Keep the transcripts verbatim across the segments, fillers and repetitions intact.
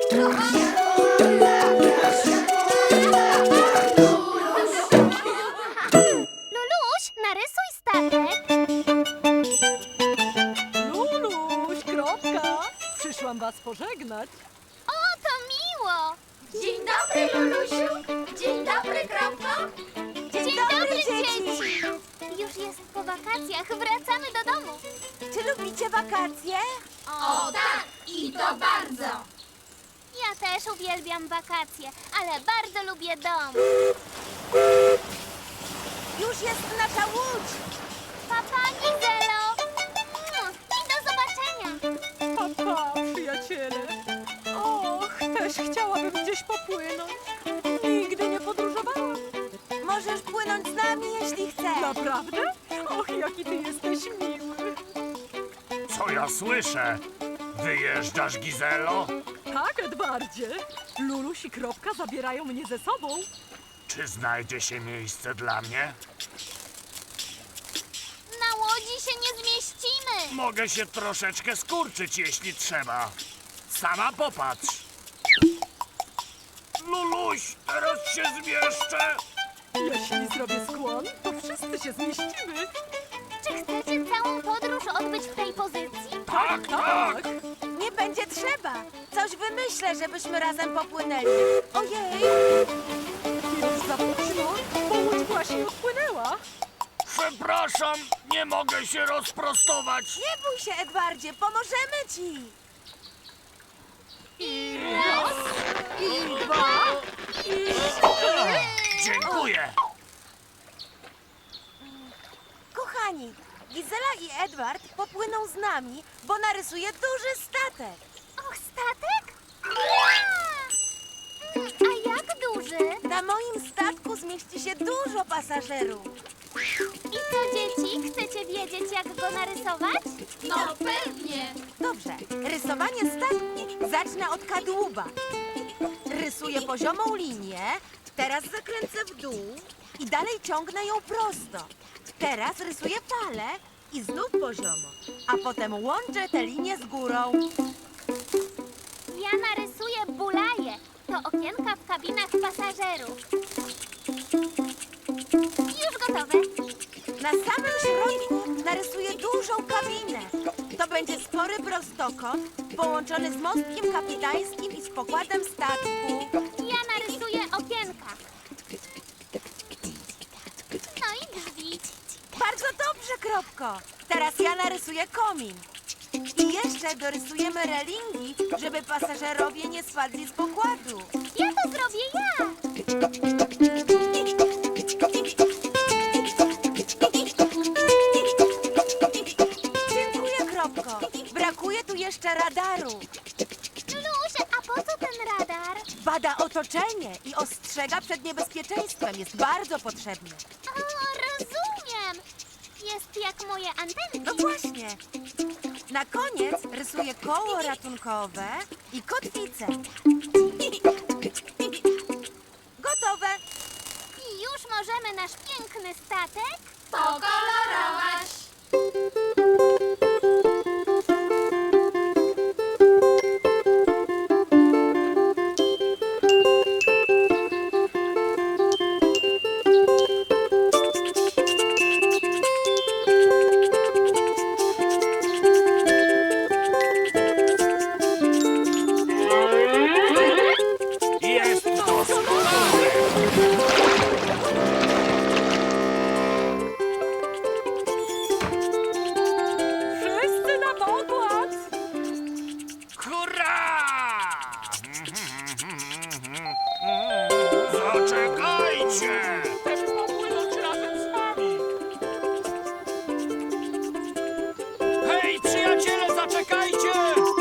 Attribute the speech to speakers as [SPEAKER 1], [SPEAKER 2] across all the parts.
[SPEAKER 1] Luluś, narysuj statek.
[SPEAKER 2] Luluś, kropka! Przyszłam was pożegnać.
[SPEAKER 1] O, to miło.
[SPEAKER 3] Dzień dobry, Lulusiu. Dzień dobry, Kropko.
[SPEAKER 1] Dzień, dobry, dzieci. Już jest po wakacjach, wracamy do domu.
[SPEAKER 4] Czy lubicie wakacje?
[SPEAKER 3] O tak, i to bardzo.
[SPEAKER 1] Ja też uwielbiam wakacje, ale bardzo lubię dom.
[SPEAKER 4] Już jest nasza łódź!
[SPEAKER 1] Papa, Gizelo. Mm, I do zobaczenia.
[SPEAKER 2] Pa, pa, przyjaciele. Och, też chciałabym gdzieś popłynąć. Nigdy nie podróżowałam.
[SPEAKER 4] Możesz płynąć z nami, jeśli chcesz.
[SPEAKER 2] Naprawdę? Och, jaki ty jesteś miły.
[SPEAKER 5] Co ja słyszę? Wyjeżdżasz, Gizelo?
[SPEAKER 2] Tak, Edwardzie. Luluś i kropka zabierają mnie ze sobą.
[SPEAKER 5] Czy znajdzie się miejsce dla mnie?
[SPEAKER 1] Na łodzi się nie zmieścimy.
[SPEAKER 5] Mogę się troszeczkę skurczyć, jeśli trzeba. Sama popatrz. Luluś, teraz się zmieszczę.
[SPEAKER 2] Jeśli zrobię skłon, to wszyscy się zmieścimy.
[SPEAKER 1] Czy chcecie całą podróż odbyć w tej pozycji?
[SPEAKER 5] Tak, tak.
[SPEAKER 4] Nie będzie trzeba. Coś wymyślę, żebyśmy razem popłynęli. Ojej!
[SPEAKER 2] Już za późno, bo łódź właśnie odpłynęła.
[SPEAKER 5] Przepraszam, nie mogę się rozprostować.
[SPEAKER 4] Nie bój się, Edwardzie, pomożemy ci!
[SPEAKER 2] I raz, i dwa, i trzy.
[SPEAKER 5] Dziękuję.
[SPEAKER 4] Kochani, Gizela i Edward popłyną z nami, bo narysuje duży statek.
[SPEAKER 1] Och, statek? Ua! Mm, A jak duży?
[SPEAKER 4] Na moim statku zmieści się dużo pasażerów.
[SPEAKER 1] I co, dzieci? Chcecie wiedzieć, jak go narysować?
[SPEAKER 3] No pewnie.
[SPEAKER 4] Dobrze, rysowanie statku zacznę od kadłuba. Rysuję poziomą linię, teraz zakręcę w dół i dalej ciągnę ją prosto. Teraz rysuję falę i znów poziomo, a potem łączę te linie z górą.
[SPEAKER 1] Ja narysuję bulaje. To okienka w kabinach pasażerów. Już gotowe.
[SPEAKER 4] Na samym środku narysuję dużą kabinę. To będzie spory prostokąt połączony z mostkiem kapitańskim i z pokładem statku.
[SPEAKER 1] Ja narysuję okienka. No i drzwi.
[SPEAKER 4] Bardzo dobrze, Kropko. Teraz ja narysuję komin. I jeszcze dorysujemy relingi, żeby pasażerowie nie spadli z pokładu.
[SPEAKER 1] Ja to zrobię ja.
[SPEAKER 4] Dziękuję, Kropko. Brakuje tu jeszcze radaru.
[SPEAKER 1] Luluś, a po co ten radar?
[SPEAKER 4] Bada otoczenie i ostrzega przed niebezpieczeństwem. Jest bardzo potrzebny.
[SPEAKER 1] O, rozumiem. Jest jak moje
[SPEAKER 4] No
[SPEAKER 1] antenki.
[SPEAKER 4] właśnie. Na koniec rysuję koło ratunkowe i kotwicę. Gotowe.
[SPEAKER 1] I już możemy nasz piękny statek
[SPEAKER 3] Pokolorować.
[SPEAKER 5] Jest doskonale.
[SPEAKER 2] Wszyscy na pokład.
[SPEAKER 5] Hurra! Zaczekajcie!
[SPEAKER 2] Chcesz popłynąć razem z nami.
[SPEAKER 5] Hej, przyjaciele, zaczekajcie!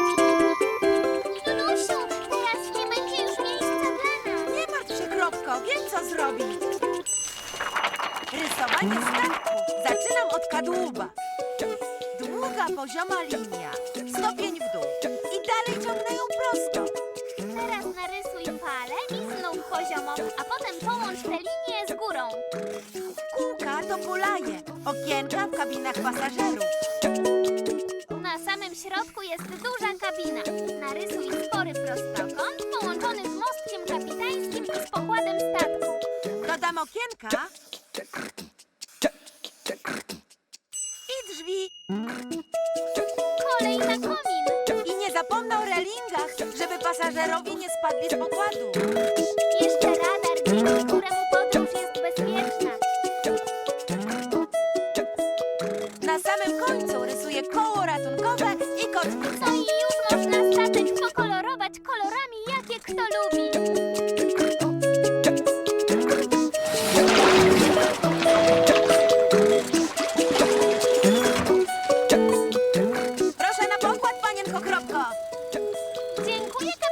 [SPEAKER 1] Lulusiu, teraz nie będzie już miejsca dla nas.
[SPEAKER 4] Nie martw się, Kropko. Wiem, co zrobić. Rysowanie statku. Zaczynam od kadłuba. Długa, pozioma linia. Stopień w dół. I dalej ciągnę ją prosto.
[SPEAKER 1] Teraz narysuj falę i znów poziomo, a potem połącz te linie z górą.
[SPEAKER 4] Kółka to bulaje. Okienka w kabinach pasażerów.
[SPEAKER 1] Na samym środku jest duża kabina. Narysuj spory prostokąt
[SPEAKER 4] relingach, żeby pasażerowie nie spadli z pokładu.
[SPEAKER 1] Jeszcze radar, dzięki któremu podróż jest bezpieczna.
[SPEAKER 4] Na samym końcu rysuję koło ratunkowe i kotwicę.
[SPEAKER 1] No i już można statek pokolorować kolorami, jakie kto lubi.
[SPEAKER 4] Proszę na pokład, panienko Kropko.
[SPEAKER 1] Dziękuję,